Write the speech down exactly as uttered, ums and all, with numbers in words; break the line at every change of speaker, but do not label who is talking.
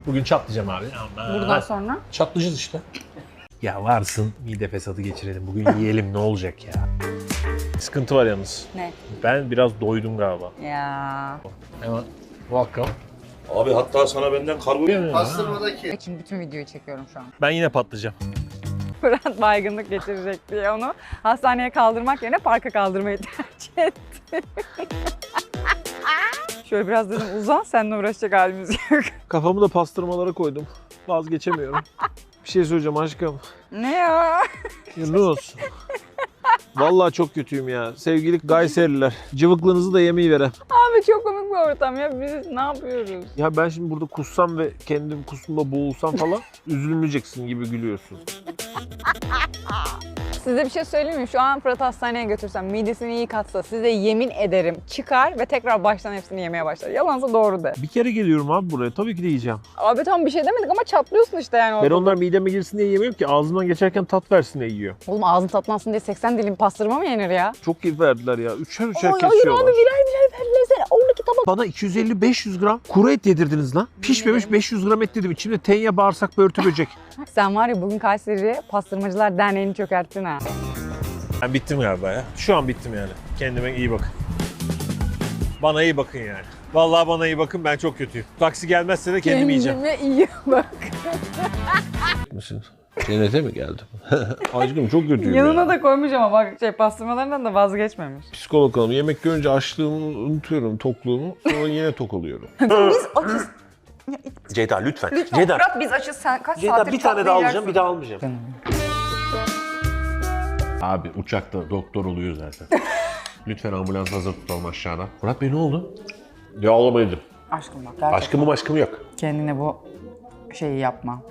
Bugün çatlayacağım abi. Ama
Buradan sonra?
çatlayacağız işte. Ya varsın mide fesadı geçirelim. Bugün yiyelim ne olacak ya. Sıkıntı var yalnız.
Ne?
Ben biraz doydum galiba.
Ya.
Hemen welcome.
Abi hatta sana benden kargo...
Pastırmadaki.
Şimdi bütün videoyu çekiyorum şu an.
Ben yine patlayacağım.
Fırat baygınlık geçirecek diye onu hastaneye kaldırmak yerine parka kaldırmayı tercih etti. Şöyle biraz dedim uzan, seninle uğraşacak halimiz yok.
Kafamı da pastırmalara koydum. Vazgeçemiyorum. Bir şey söyleyeceğim aşkım.
Ne ya?
Yunus. Vallahi çok kötüyüm ya. Sevgili Gayseriler. Cıvıklığınızı da yemeği veren.
Abi çok komik bir ortam ya. Biz ne yapıyoruz?
Ya ben şimdi burada kussam ve kendim kusumda boğulsam falan üzülmeyeceksin gibi gülüyorsun.
Size bir şey söyleyeyim mi? Şu an Fırat hastaneye götürsem, midesini iyi katsa size yemin ederim çıkar ve tekrar baştan hepsini yemeye başlar. Yalansa doğru de.
Bir kere geliyorum abi buraya. Tabii ki de yiyeceğim.
Abi tamam bir şey demedik ama çatlıyorsun işte yani
Ben
ortada.
onlar mideme girsin diye yemiyorum ki ağzımdan geçerken tat versin diye yiyor.
Oğlum ağzın tatlansın diye seksen dilim pastırma mı yenir ya?
Çok iyi verdiler ya. Üçer üçer
Ay, hayır
kesiyorlar.
abi birer birer verdiler seni. on iki tabak.
Bana iki yüz elli beş yüz gram kuru et yedirdiniz lan. Pişmemiş beş yüz gram et dedim. İçimde tenya, bağırsak, börtü, böcek.
Sen var ya bugün Kayseri Pastırmacılar Derneği'ni çökerttin ha.
Ben bittim galiba ya. Şu an bittim yani. Kendime iyi bakın. Bana iyi bakın yani. Vallahi bana iyi bakın, ben çok kötüyüm. Taksi gelmezse de kendim yiyeceğim.
Kendime iyi bak.
Mısın? Cennete mi geldim? Aşkım çok kötüyüm
Yanına
ya.
da koymuş ama bak şey pastırmalarından da vazgeçmemiş.
Psikolog hanım, yemek görünce açlığımı unutuyorum, tokluğumu. Sonra yine tok oluyorum.
Biz açız.
Ceyda lütfen.
Lütfen
Ceyda.
Fırat biz açız. Sen kaç
Ceyda
saattir
bir tane daha alacağım,
çatlayacaksın?
bir daha almayacağım. Abi uçakta doktor oluyor zaten. Lütfen ambulans hazır tutalım aşağıda. Murat Bey ne oldu? Ya alamayacağım.
Aşkım bak gerçekten
Aşkımım aşkım yok.
kendine bu şeyi yapma.